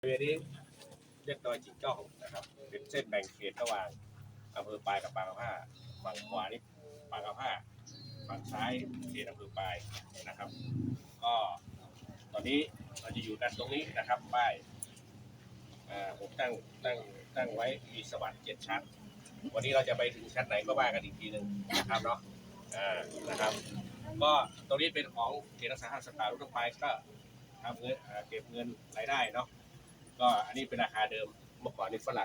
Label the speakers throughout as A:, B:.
A: บริเวณนี้เรียกดอยจิงจ้องนะครับเป็นเส้นแบ่งเขตระหว่างอำเภอปายกับปางกะผ้าฝั่งขวานี่ปางกะผ้าฝั่งซ้ายเขตอำเภอปายนะครับก็ตอนนี้เราจะอยู่กันตรงนี้นะครับป้ายผมตั้งไว้มีสวรรค์7 ชั้นวันนี้เราจะไปถึงชั้นไหนก็ว่ากันอีกทีหนึ่งนะครับเนาะนะครับก็ตรงนี้เป็นของเขตรักษาพันธุ์สัตว์ป่าลูกนกปลายก็ทำเงินเก็บเงินรายได้เนาะก็อันนี้เป็นราคาเดิมเมื่อก่อนนี่ฝรั่ง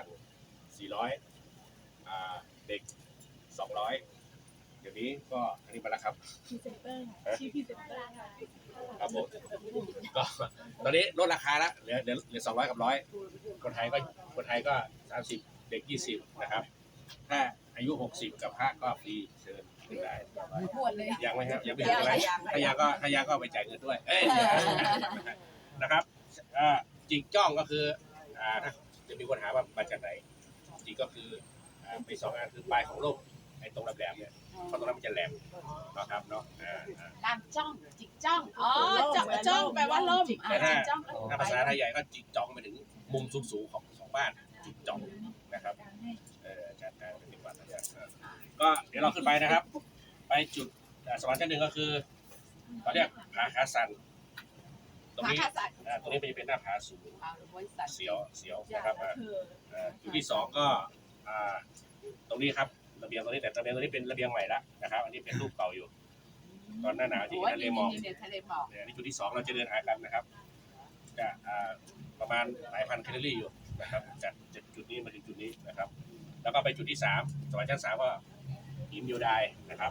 A: 400เด็ก200เดี๋ยวนี้ก็อันนี้มาแล้วครับ
B: พรีเซนเตอร์ค่ะชื่อพรีเซนเตอร์ค่ะ
A: ครับผมก็ตอนนี้ลดราคาแล้วเหลือ200กับ100คนไทยก็30เด็ก20นะครับถ้าอายุ60กับ5ก็ฟรีเชิญขึ้นได้
B: หมดเลย
A: ยังไหมครับยังไม่ถึงอะไรถ้ายังก็ไปจ่ายเงินด้วยนะครับจิงจ้องก็คือถ้าจะมีคนถามว่ามาจากไหนจริงก็คือไป2 อันคือปลายของโลกไอ้ตรงแหลมเนี่ยเพราะตรงนั้นมันจะแหลมนะครับเนาะ
B: ลานจ้องจิกจ้องอ๋อจ้องแปลว่าล่ม
A: แต่ถ้าภาษาไทยใหญ่ก็จิกจ้องไปถึงมุมสูงของบ้านจิกจ้องนะครับจากการปฏิบัติก็เดี๋ยวเราขึ้นไปนะครับไปจุดสวรรค์ชั้น 1ก็คือเขาเรียกผาคาซันตรงนี้เป็นหน้าผาสูงเสียวนะครับจุดที่2ก็ตรงนี้ครับระเบียงตรงนี้แต่ระเบียงตรงนี้เป็นระเบียงใหม่แล้วนะครับอันนี้เป็นรูปเก่าอยู่ตอนหน้าหนาวที่ทะเลหมอกเนี่ยนี่จุดที่2เราจะเดินหากันนะครับจะประมาณหลายพันแคลอรี่อยู่นะครับจากจุดนี้มาถึงจุดนี้นะครับแล้วก็ไปจุดที่3สวรรค์ชั้น 3ก็หินยูไดนะครับ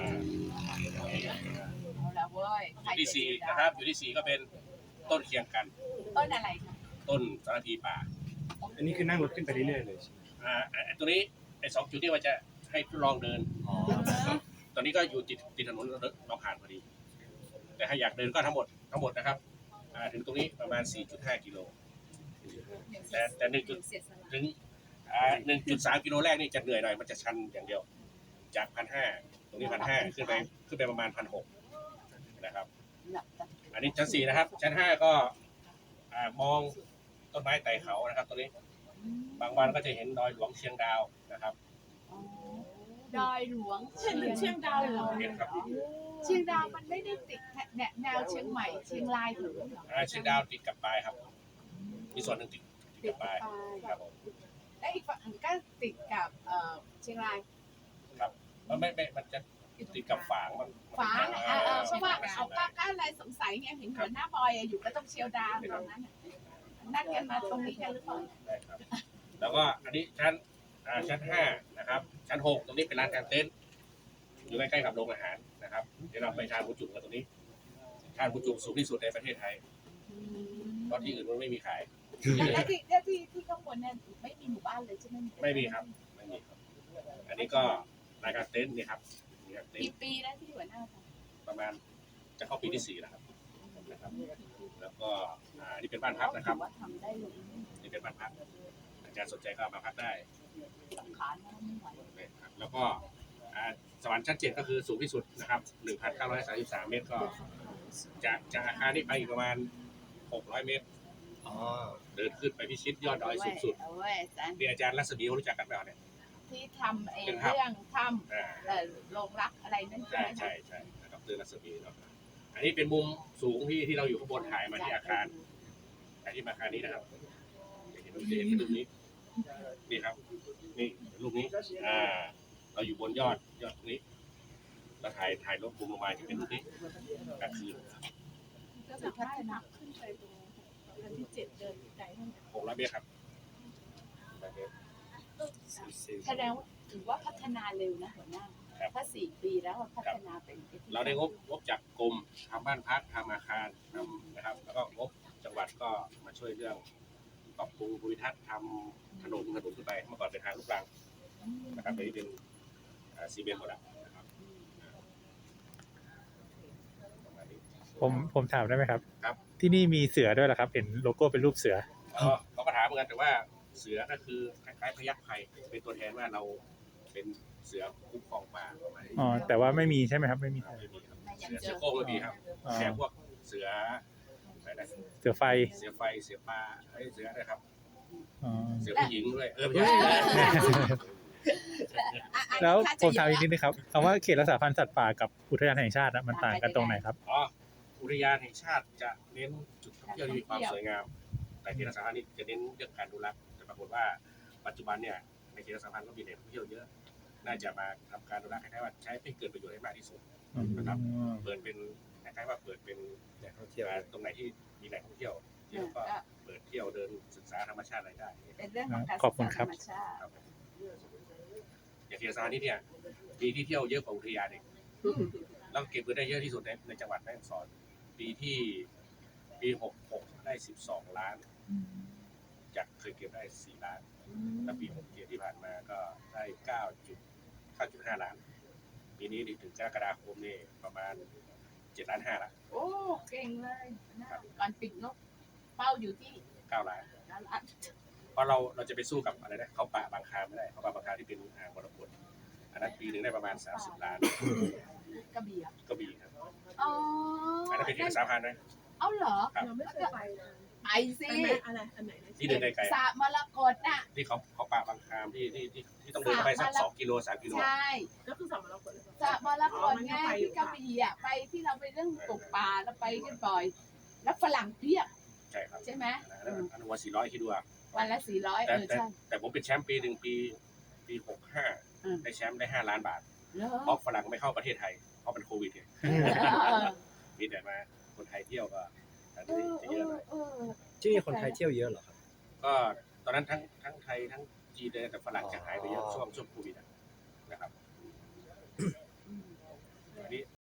A: จุดที่4นะครับจุดที่4ก็เป็นต้นเคียงกัน
B: ต้นอะไรคะ
A: ต้นสารพีป่า
C: อันนี้คือนั่งรถขึ้นไปเรื่อยๆเลย
A: ตัวนี้ไอ้2 จุดที่ว่าจะให้ทดลองเดินตอนนี้ก็อยู่ติดถนนเราผ่านพอดีแต่ถ้าอยากเดินก็ทั้งหมดนะครับถึงตรงนี้ประมาณ 4.5 กิโลแต่ถึง1.3 กิโลแรกนี่จะเหนื่อยหน่อยมันจะชันอย่างเดียวจาก1,500ตรงนี้1,500ขึ้นไปประมาณ1,600นะครับอันนี้ชั้น 4นะครับชั้น 5ก็มองต้นไม้ไต่เขานะครับตรงนี้บางวันก็จะเห็นดอยหลวงเชียงดาวนะครับ
B: ดอยหลวงเชียงดาวเหรอ
A: เห็นครับ
B: เชียงดาวมันไม่ได้ติดแนวเชียงใหม่เชียงรายหรือ
A: เชียงดาวติดกับปลายครับมีส่วนหนึ่งติดกับปลายครับผม
B: และอีกฝั่งก็ติดกับเชียงราย
A: ครับไม่มันจะติดกับฝางมัน
B: เพราะว่าเอาป้าก้าอะไรสงสัยไงเห็นหัวหน้าบอยอยู่ก็ต้องเชียวดาวตรงนั้นนัดกันมาตรงนี้กันหรือเปล่า
A: ได้ครับแล้วก็อันนี้ชั้น 5นะครับชั้น 6ตรงนี้เป็นร้านกางเต็นท์อยู่ใกล้ๆกับโรงอาหารนะครับเดี๋ยวเราไปทานหมูจุ่มกันตรงนี้ทานหมูจุ่มสูงที่สุดในประเทศไทยเพราะที่อื่นมันไม่มีขาย
B: แล้วที่ข้างบนเนี่ยไม่มีหมู่บ้านเลยใช่ไหม
A: ไม่มีครับอันนี้ก็ร้านกางเต็นท์นี่ครับ
B: กี่ปีแล้วที่หัวหน้า
A: ประมาณจะเข้าปีที่4แล้วครับแล้วก็นี่เป็นบ้านพักนะครับนี่เป็นบ้านพักอาจารย์สนใจก็มาพักได้แล้วก็สวรรค์ชั้น 7ก็คือสูงที่สุดนะครับ 1,933 เมตรก็จากอาคารนี้ไปอีกประมาณ600 เมตรเดินขึ้นไปพิชิตยอดดอยสูงสุดมีอาจารย์รัศมีรู้จักกันไหมเนี่ย
B: ที่ทำเรื่องถ้ำโรงรักอะไรนั่นใ
A: ช่นะครับดรรัศมีเนาะอันนี้เป็นมุมสูงที่เราอยู่ข้างบนถ่ายมาที่อาคารที่อาคารนี้นะครับเห็นรูปนี้นี่ครับนี่รูปนี้เราอยู่บนยอดนี้เราถ่ายรูปมุมลงมาจะเป็นรูปนี้กลางคืน
B: ก็จะพัฒนาขึ้นไปตรงชั้นที่7เดินไกลเท่าไหร่
A: 600 เมตรครับ
B: แสดงว่าถือว่าพัฒนาเร็วนะหัวหน้าถ้า4 ปีแล้วพัฒนาเป็น
A: เราได้งบจากกรมทำบ้านพักทำอาคารทำนะครับแล้วก็งบจังหวัดก็มาช่วยเรื่องปรับปรุงภูมิทัศน์ทำถนนขึ้นไปเมื่อก่อนเป็นทางลูกรังนะครับนี้เป็นซีเมนต์หมดแล้วนะครับ
C: ผมถามได้ไหมครับ
A: ครับ
C: ที่นี่มีเสือด้วยเหรอครับเห็นโลโก้เป็นรูปเสือ
A: เขาก็ถามเหมือนกันแต่ว่าเสือก็คือคล้ายๆพยัคฆ์ไทยเป็นตัวแทนว่าเราเป็นเสือคุ้มครองป่าประมาณนี้
C: แต่ว่าไม่มีใช่ไหมครับไม่มี
A: เสือโคร่งไม่มีครับแค่พวกเสือนะ
C: เสือไฟ
A: เสือไฟเสือปลาเสือนะครับ
C: อ๋อ
A: เสือผู้หญิงด้วยไม่ใช่
C: แล้วผมถามอีกนิดนึงครับคำว่าเขตรักษาพันธุ์สัตว์ป่ากับอุทยานแห่งชาติมันต่างกันตรงไหนครับ
A: อ๋ออุทยานแห่งชาติจะเน้นจุดท่องเที่ยวที่มีความสวยงามแต่เขตรักษาพันธุ์นี่จะเน้นเรื่องการดูแลแต่ปรากฏว่าปัจจุบันเนี่ยในเขตรักษาพันธุ์ก็มีแหล่งท่องเที่ยวเยอะน่าจะมาทำการดูแลคล้ายๆว่าใช้ให้เกิดประโยชน์ให้มากที่สุดนะครับเปิดเป็นคล้ายๆว่าเปิดเป็นแหล่งท่องเที่ยวตรงไหนที่มีแหล่งท่องเที่ยวเยอะก็เปิดเที่ยวเดินศึกษาธรรมชาติอะไรได้
B: เป็นเรื่องของการ
C: ขอบคุณครับ
B: ธรรมชาติ
A: อย่างเขตรักษาพันธุ์นี่เนี่ยปีที่เที่ยวเยอะกว่าอุทยานเองเราเก็บเงินได้เยอะที่สุดในจังหวัดแม่ฮ่องสอนปี66ได้12 ล้านจากเคยเก็บได้4 ล้านแล้วปี67ที่ผ่านมาก็ได้9.5 ล้านปีนี้ถึงกรกฎาคมนี่ประมาณ7.5 ล้านละ
B: โอ้เก่งเลยนะก่อนปิดงบเป้าอยู่ที่
A: 9 ล้าน
B: 9 ล้าน
A: เพราะเราจะไปสู้กับอะไรนะเขาป่าบางคาไม่ได้เขาป่าบางคาที่เป็นอ่างมรกตอันนั้นปีหนึ่งได้ประมาณ30 ล้าน
B: กระบี่อะ
A: ก็มีครับ
B: อ๋อ
A: อันนั้นเป็นเขตรักษาพันธุ์นะ
B: เอาเหรอ
A: ครับ
D: เราไม่เคยไปนะ
B: ไปสิ
D: อันไหนอันไหน
A: ที่เดินไกล
B: สระมรกตน่ะ
A: ๆที่เขาป่าบางคามที่ต้องเดินเข้าไปสัก2 กิโล 3 กิโล
B: ใช่
D: ก็คือสามเราคน
B: สระมรกตไงที่กระบี่อ่ะไปที่เราไปเรื่องตกปลาเราไปกันบ่อย แล้วฝรั่งเพียบ
A: ใช่ครับ
B: ใช่ไหม
A: อันนั้นวัน400คิดดูอ่ะ
B: วันละ400
A: แต่ผมเป็นแชมป์ปีหนึ่งปี65ได้แชมป์ได้5 ล้านบาท
B: เหรอ
A: เพราะฝรั่งไม่เข้าประเทศไทยเพราะเป็นโควิดไง
B: เออ
A: มีแต่มาคนไทยเที่ยวก็อันนี้จะเยอะหน่อย
E: ที่นี่คนไทยเที่ยวเยอะเหรอครับ
A: ก็ตอนนั้นทั้งไทยทั้งจีนเลยแต่ฝรั่งจะหายไปเยอะช่วงโควิดนะครับอันนี้